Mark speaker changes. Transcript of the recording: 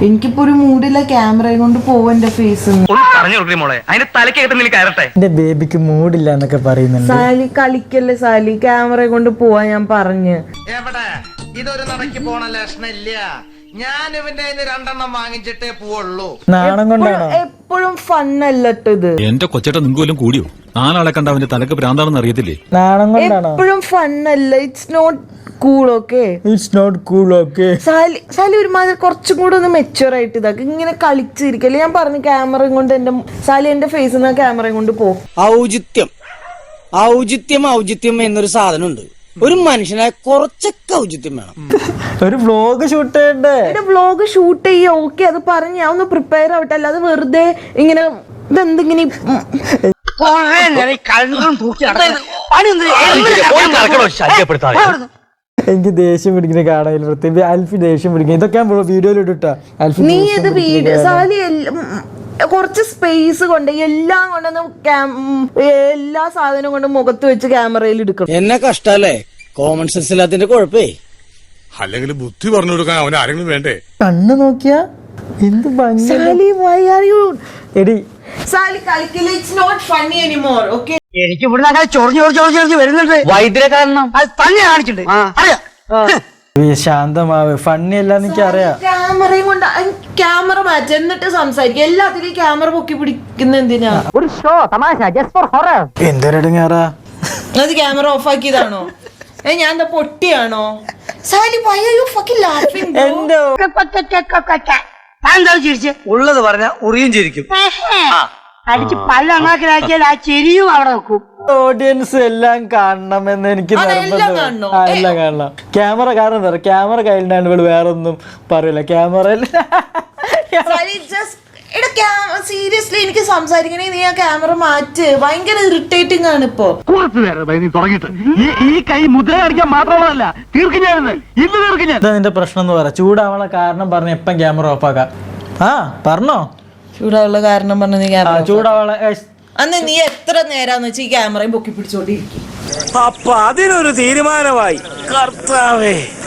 Speaker 1: എനിക്കിപ്പോ ഒരു മൂഡില്ല ക്യാമറയും കൊണ്ട് പോവും എന്റെ ഫേസ്.
Speaker 2: എന്റെ ബേബിക്ക് മൂഡില്ല എന്നൊക്കെ പറയുന്നുണ്ട്.
Speaker 1: സാലി കളിക്കല്ലേ സാലി, ക്യാമറ കൊണ്ട് പോവാ ഞാൻ പറഞ്ഞു.
Speaker 3: എവിടെ ഇതൊരു നടക്ക് പോണ ലക്ഷണില്ല. ഞാൻ ഇവന്റെ രണ്ടെണ്ണം വാങ്ങിച്ചിട്ടേ പോവുള്ളൂ.
Speaker 2: നാണം കൊണ്ടാണോ?
Speaker 1: എപ്പോഴും ഫണ്ണല്ലോ ഇത്.
Speaker 4: എന്റെ കൊച്ചേട്ട നിങ്ങൾക്ക് കൂടിയോ? നാലാളെ കണ്ട അവന്റെ തലക്ക് ഭ്രാന്താണെന്ന് അറിയത്തില്ലേ?
Speaker 2: നാണം കൊണ്ടാണോ?
Speaker 1: എപ്പോഴും ഫണ്ണല്ല. It's not cool. Okay,
Speaker 2: it's not cool. Okay,
Speaker 1: Sally ഒരുമാതിരി കുറച്ചും കൂടെ ഒന്ന് മെച്ചുവർ ആയിട്ട് ഇതാക്കി ഇങ്ങനെ കളിച്ചിരിക്കല്ലേ. ഞാൻ പറഞ്ഞു ക്യാമറയും കൊണ്ട് എന്റെ സാലി എന്റെ ഫേസിൽ നിന്ന് ക്യാമറയും കൊണ്ട് പോ.
Speaker 5: ഔചിത്യം എന്നൊരു സാധനമുണ്ട്. ഒരു മനുഷ്യനായ കുറച്ചൊക്കെ ഔചിത്യം വേണം.
Speaker 2: ഒരു വ്ലോഗ് ഷൂട്ട് ചെയ്യണ്ടേ?
Speaker 1: വ്ലോഗ് ഷൂട്ട് ചെയ്യ. ഓക്കെ, അത് പറഞ്ഞ് ഞാൻ ഒന്ന് പ്രിപ്പയർ ആവട്ടെ. അല്ലാതെ വെറുതെ ഇങ്ങനെ ഇതെന്തിങ്ങനെ
Speaker 2: എനിക്ക് ദേഷ്യം പിടിക്കുന്ന കാണാൻ പ്രത്യേകിച്ച് അൽഫി ദേഷ്യം പിടിക്കുക. ഇതൊക്കെ ഞാൻ വീഡിയോയിൽ ഇട്ടാ.
Speaker 1: നീ ഇത് വീഡിയോ സാലി കുറച്ച് സ്പേസ് കൊണ്ട് എല്ലാം കൊണ്ടൊന്ന് എല്ലാ സാധനവും കൊണ്ട് മുഖത്ത് വെച്ച് ക്യാമറയിൽ എടുക്കണം.
Speaker 5: എന്നെ കഷ്ടല്ലേ? Common sense ഇല്ലാത്തതിന്റെ കുഴപ്പേ.
Speaker 6: അല്ലെങ്കിൽ ബുദ്ധി പറഞ്ഞു കൊടുക്കാൻ അവൻ ആരെങ്കിലും വേണ്ടേ?
Speaker 2: കണ്ണ് നോക്കിയാ എന്ത് ഭംഗി.
Speaker 1: സാലി why are you
Speaker 2: എടി
Speaker 1: സാലി കളിക്കില്ല. It's not funny anymore. Okay,
Speaker 5: എനിക്ക് ഇവിടെ ചൊറിഞ്ഞ് വരുന്നുണ്ട്. വൈദ്യുത കാരണം അത് തന്നെ കാണിച്ചിട്ടുണ്ട്.
Speaker 2: ശാന്തമാവ്. ഫണ്ണി അല്ലാന്ന് എനിക്ക് അറിയാം.
Speaker 1: ക്യാമറയും കൊണ്ട് ക്യാമറ മാറ്റി എന്നിട്ട് സംസാരിക്കും. എല്ലാത്തിലും ക്യാമറ പൊക്കി പിടിക്കുന്ന എന്തിനാ?
Speaker 5: ഒരു ഷോ തമാശ ജസ്റ്റ് ഫോർ ഹൊറർ.
Speaker 2: എന്തൊരടങ്ങാറാ.
Speaker 1: അത് ക്യാമറ ഓഫ് ആക്കിയതാണോ? ഞാൻ എന്താ പൊട്ടിയാണോ? Sally why are you fucking laughing bro?
Speaker 2: എന്റെ
Speaker 5: ഉള്ളത് പറഞ്ഞ ഉറിയും ചിരിക്കും. അടിച്ച് പല്ലണാക്കിലാക്കിയാൽ ആ ചിരിയും അവിടെ നോക്കും.
Speaker 2: ഓഡിയൻസ് എല്ലാം കാണണമെന്ന് എനിക്ക്
Speaker 1: എല്ലാം കാണണോ?
Speaker 2: എല്ലാം കാണണം. ക്യാമറ കാരണം എന്താ പറയുക, ക്യാമറ കയ്യിലാണ് ഇവള് വേറൊന്നും പറയില്ല. ക്യാമറയിൽ
Speaker 1: സീരിയസ്ലി എനിക്ക് സംസാരിക്കണേ. നീ ആ ക്യാമറ മാറ്റ്. ഭയങ്കര ഇറിറ്റേറ്റിംഗ് ആണ് ഇപ്പൊ.
Speaker 5: ഈ കൈ മുദ്ര കാണിക്കാൻ മാത്രമല്ല തീർക്കും ഞാൻ ഇന്ന് തീർക്കും ഞാൻ.
Speaker 2: എന്താ നിന്റെ പ്രശ്നം എന്ന് പറ. ചൂടാവണ കാരണം പറഞ്ഞ എപ്പം ക്യാമറ ഓഫ് ആക്കാം. പറഞ്ഞോ
Speaker 1: ചൂടാവുള്ള കാരണം പറഞ്ഞ നീ ക്യാമറ
Speaker 2: ചൂടാവണ.
Speaker 1: അന്ന് നീ എത്ര നേരാന്ന് വെച്ചാൽ ഈ ക്യാമറയും പൊക്കി പിടിച്ചോണ്ടിരിക്കും.
Speaker 5: അപ്പൊ അതിനൊരു തീരുമാനമായി. കർത്താവേ.